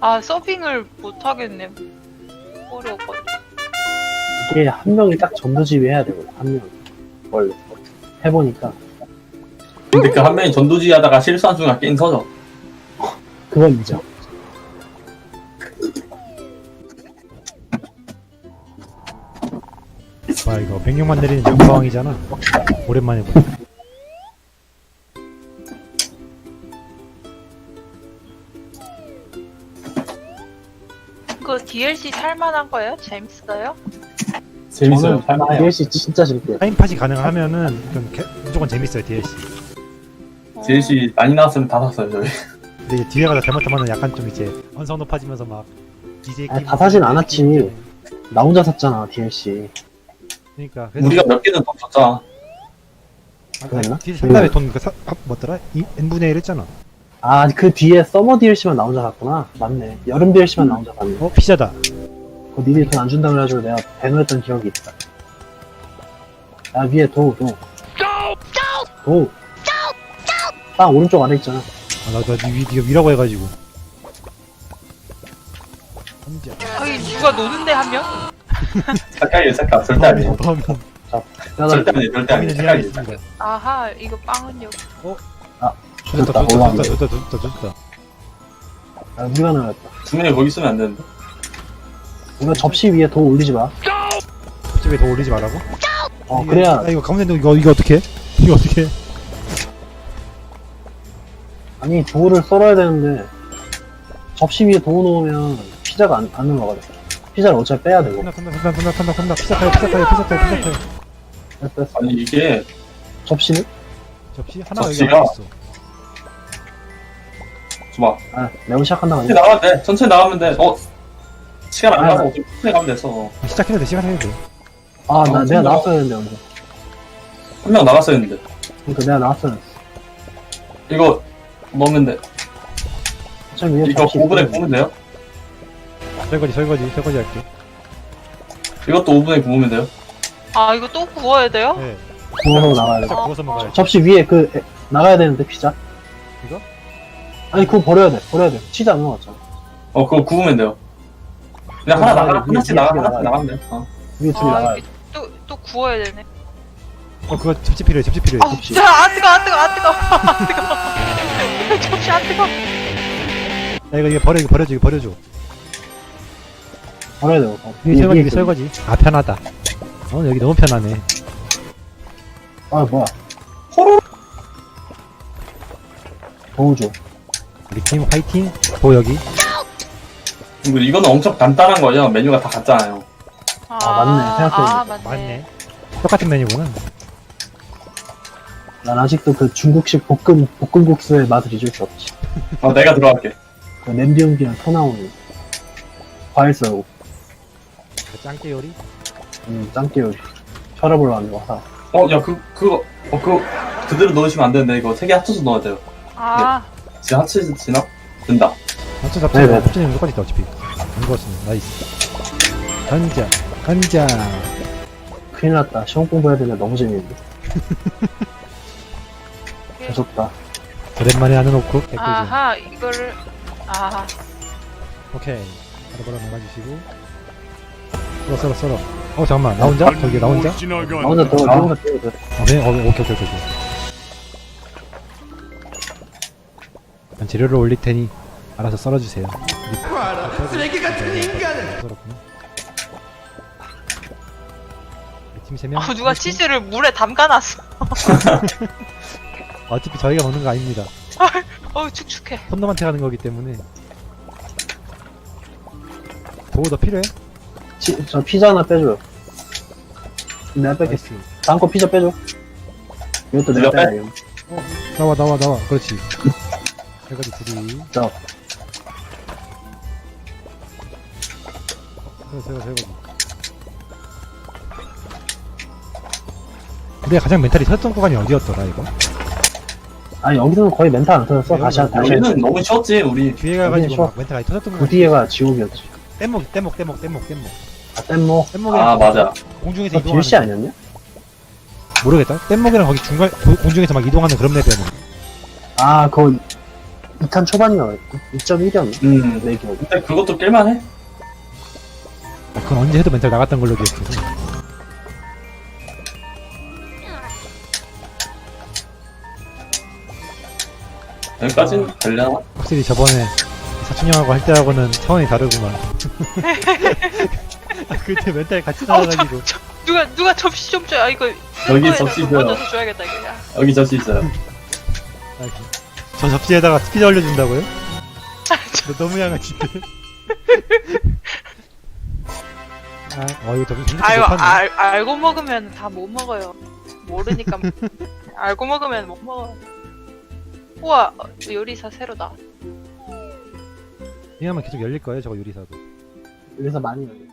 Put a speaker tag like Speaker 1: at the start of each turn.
Speaker 1: 아, 서빙을 못 하겠네. 어려워가지고.
Speaker 2: 이게 한 명이 딱 전도지휘 해야 되거든. 한 명. 원래 해보니까
Speaker 3: 근데 그 한 명이 전도지 하다가 실수한 순간 게임 터져.
Speaker 2: 그건 인정.
Speaker 4: 와 이거 백령만 내리는 영광이잖아. 오랜만에 보네.
Speaker 1: 그 DLC 살만한 거예요? 재밌어요?
Speaker 3: 재밌어요.
Speaker 2: 저는
Speaker 3: 할만해요.
Speaker 2: DLC 진짜 재밌게.
Speaker 4: 타임팟이 가능하면은 무조건 재밌어요 DLC.
Speaker 3: DLC 많이 나왔으면 다 샀어요 저희.
Speaker 4: 근데 이제 뒤에 가다 잘못하면 약간 좀 이제 언성 높아지면서 막 DJ
Speaker 2: 아니, 다 사진 않았지. 나 혼자 샀잖아 DLC.
Speaker 4: 그러니까 그래서
Speaker 3: 우리가 몇 개는 더 줬잖아.
Speaker 2: 그랬나?
Speaker 4: 뒤에 산 다음에 돈 뭐더라? n분의 1 했잖아.
Speaker 2: 아 그 뒤에 서머 DLC만 나 혼자 샀구나. 맞네. 여름 DLC만 나 혼자 샀네.
Speaker 4: 어 피자다.
Speaker 2: 그거 니들이 돈 안 준다 그래가지고 내가 배노했던 기억이 있다. 야 위에 도. 땅 오른쪽 아래 있잖아.
Speaker 4: 아나 네가 위라고 해가지고. 혼자.
Speaker 1: 아니, 누가 노는데 한 명?
Speaker 3: 색깔이에요 색깔. 절대 아니에요.
Speaker 4: 범인
Speaker 3: 절대 아니에요 절대 아니에요.
Speaker 4: 범인은
Speaker 3: 색깔이에요.
Speaker 4: 있습니다.
Speaker 1: 아하, 이거 빵은 여기.
Speaker 2: 좋다. 올라왔네.
Speaker 4: 좋다.
Speaker 2: 아 우리가 나갔다.
Speaker 3: 두 명이 거기 있으면 안 되는데.
Speaker 2: 이거 접시 위에 도 올리지 마.
Speaker 4: 집에 더 올리지 말라고?
Speaker 2: 그래야
Speaker 4: 아 이거 가운데 이거 어떻게? 이거 어떻게?
Speaker 2: 아니 도우를 썰어야 되는데 접시 위에 도우 놓으면 피자가 안 올라가죠. 피자를 어차피 빼야 되고.
Speaker 4: 탄다 피자 타요
Speaker 2: 뺐어.
Speaker 3: 아니 이게
Speaker 2: 접시는?
Speaker 4: 접시 하나가 여기
Speaker 3: 접시가?
Speaker 4: 안에 있어.
Speaker 3: 좋아.
Speaker 2: 아 내가 시작한다고
Speaker 3: 천천히
Speaker 2: 하냐?
Speaker 3: 나가면 돼. 천천히 나가면 돼. 시간 안 가서 어차피 천천히 가면 됐어.
Speaker 4: 시작해도 돼 시간 해도 돼.
Speaker 2: 아 나 내가
Speaker 3: 진짜?
Speaker 2: 나왔어야 했는데 여기서.
Speaker 3: 한 명 나갔어야 했는데.
Speaker 2: 그러니까 내가 나왔어야 했어.
Speaker 3: 이거 먹으면 돼.
Speaker 2: 어차피 위에
Speaker 3: 이거
Speaker 2: 접시
Speaker 3: 5분에
Speaker 2: 있거든.
Speaker 3: 구우면 돼요?
Speaker 4: 설거지 할게.
Speaker 3: 이것도 5분에 구우면 돼요?
Speaker 1: 아, 이거 또 구워야 돼요?
Speaker 4: 네.
Speaker 2: 구워서 나가야 돼.
Speaker 4: 피자 구워서 먹어야지.
Speaker 2: 접시 위에 나가야 되는데 피자.
Speaker 4: 이거?
Speaker 2: 아니 그거 버려야 돼. 치즈 안 넣어갔잖아.
Speaker 3: 그거 구우면 돼요. 그냥
Speaker 2: 그거
Speaker 3: 하나
Speaker 2: 나가야
Speaker 3: 나가,
Speaker 2: 돼.
Speaker 3: 하나씩
Speaker 2: 위에
Speaker 3: 나가,
Speaker 2: 나가야
Speaker 3: 하나씩
Speaker 2: 돼.
Speaker 3: 나가면 돼.
Speaker 2: 위에 둘이
Speaker 1: 아,
Speaker 2: 나가야
Speaker 1: 이게
Speaker 2: 돼.
Speaker 1: 또 구워야 되네.
Speaker 4: 그거 접시 필요해.
Speaker 1: 아,
Speaker 2: 접시.
Speaker 1: 자, 안 뜨거. 접시 안 뜨거.
Speaker 4: 야 이거 버려줘.
Speaker 2: 버려야 돼.
Speaker 4: 이게 설거지. 아 편하다. 여기 너무 편하네.
Speaker 2: 아 뭐야.
Speaker 3: 호로.
Speaker 2: 도우 줘.
Speaker 4: 우리 팀 화이팅. 여기.
Speaker 3: 그리고 이거는 엄청 간단한 거예요. 메뉴가 다 같잖아요.
Speaker 2: 맞네. 생각해보니까.
Speaker 1: 아, 맞네.
Speaker 4: 맞네. 똑같은 메뉴구나.
Speaker 2: 난 아직도 그 중국식 볶음국수의 맛을 잊을 수 없지.
Speaker 3: 내가 들어갈게.
Speaker 2: 그 냄비 용기랑 터 나오는 과일 썰고.
Speaker 4: 그 짱깨 요리.
Speaker 2: 짱깨 요리. 혈압 올라가는 거 사.
Speaker 3: 야, 그거 그대로 넣으시면 안 되는데, 이거 3개 합쳐서 넣어야 돼요.
Speaker 1: 아,
Speaker 3: 지금 합치지나? 된다.
Speaker 4: 맞죠
Speaker 2: 네네.
Speaker 4: 합치는 똑같이 있다 어차피. 안 구웠으면 나이스. 간자.
Speaker 2: 큰일 났다. 시험 공부해야 되는데 너무 재밌는데. 무섭다.
Speaker 4: 오랜만에 하는 오크. 개꿀잼.
Speaker 1: 아하, 이거를. 아하.
Speaker 4: 오케이. 바로 나가주시고. 썰어. 잠깐만. 나 혼자? 저기 나 혼자?
Speaker 2: 나 혼자 더, 나 혼자 더.
Speaker 4: 오케이. 난 재료를 올릴 테니 알아서 썰어주세요. 쓰레기 같은 인간을. 썰었구나. 팀 3명.
Speaker 1: 아, 누가 치즈를 물에 담가놨어.
Speaker 4: 어차피 저희가 먹는 거 아닙니다.
Speaker 1: 축축해.
Speaker 4: 손놈한테 가는 거기 때문에. 도우 더 필요해?
Speaker 2: 저 피자 하나 빼줘요. 내가 뺄게.
Speaker 4: 나이스.
Speaker 2: 다음 거 피자 빼줘. 이것도 내가
Speaker 3: 네가
Speaker 2: 빼야 돼.
Speaker 4: 나와. 그렇지. 해가지 둘이.
Speaker 2: 자,
Speaker 4: 설거지. 우리가 가장 멘탈이 터졌던 구간이 어디였더라 이거?
Speaker 2: 아니 여기서는 거의 멘탈 안 터졌어. 다시
Speaker 3: 우리는 너무 쉬웠지, 우리.
Speaker 4: 뒤에
Speaker 2: 여기는
Speaker 4: 가가지고
Speaker 2: 쉬워.
Speaker 4: 막 멘탈이 터졌던
Speaker 2: 그
Speaker 4: 구간.
Speaker 2: 뒤에가 지옥이었지.
Speaker 4: 뗏목.
Speaker 2: 아, 땜모.
Speaker 4: 뗏목이랑
Speaker 3: 맞아.
Speaker 4: 공중에서
Speaker 2: 그거 DLC
Speaker 4: 이동하는.
Speaker 2: 아니었냐?
Speaker 4: 모르겠다. 뗏목이랑 거기 중간 공중에서 막 이동하는 그런 맵이었는데.
Speaker 2: 아, 그거 2탄 초반이었나? 2.1이었나? 내 기억에.
Speaker 3: 근데 그것도 깰만해?
Speaker 4: 아, 그건 언제 해도 멘탈 나갔던 걸로 기억해서.
Speaker 3: 여기까지는 되려나?
Speaker 4: 확실히 저번에 사춘형하고 할 때하고는 차원이 다르구만. 아, 그때 멘탈 같이 나가가지고.
Speaker 1: 누가 접시 좀 줘요. 아, 이거
Speaker 3: 여기
Speaker 1: 셀프에서
Speaker 3: 접시 있어요.
Speaker 1: 얹어서 줘야겠다 이거. 야.
Speaker 3: 여기 접시 있어요.
Speaker 4: 아, 저 접시에다가 피자 올려준다고요? 너 너무 양아치네. 아, 이거 접시 진짜
Speaker 1: 아유,
Speaker 4: 못하네.
Speaker 1: 알고 먹으면 다 못 먹어요. 모르니까 알고 먹으면 못 먹어요. 우와, 요리사 새로 나왔어.
Speaker 4: 이하면 계속 열릴 거예요, 저거 요리사도.
Speaker 2: 그래서 많이 열려.